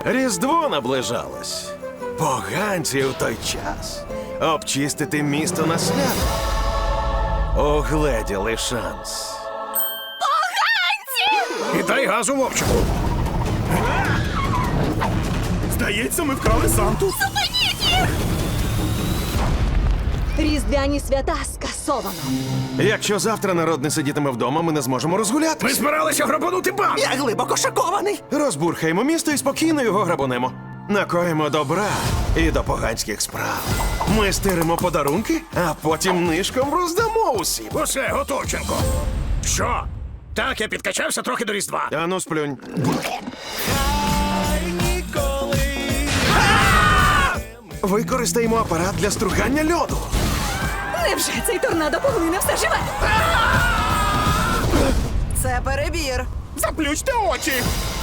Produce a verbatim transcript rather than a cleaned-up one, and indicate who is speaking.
Speaker 1: Різдво наближалось. Поганці у той час. Обчистити місто на свято. Огледіли шанс.
Speaker 2: І дай газу, вовчику.
Speaker 3: Здається, ми вкрали Санту.
Speaker 4: Різдвяні свята скасовано.
Speaker 1: Якщо завтра народ не сидітиме вдома, ми не зможемо
Speaker 2: Ми
Speaker 1: розгулятися.
Speaker 2: збиралися грабанути банк.
Speaker 3: Я глибоко шокований.
Speaker 1: Розбурхаємо місто і спокійно його грабунемо. Накоїмо добра і до поганських справ. Ми стиримо подарунки, а потім нишком роздамо усім.
Speaker 2: Усе, Готовченко. Що? Так, я підкачався трохи до Різдва.
Speaker 1: Ану, сплюнь. Використаємо апарат для стругання льоду.
Speaker 4: Невже цей торнадо поглине все живе?
Speaker 5: Це перебір.
Speaker 3: Заплющте очі.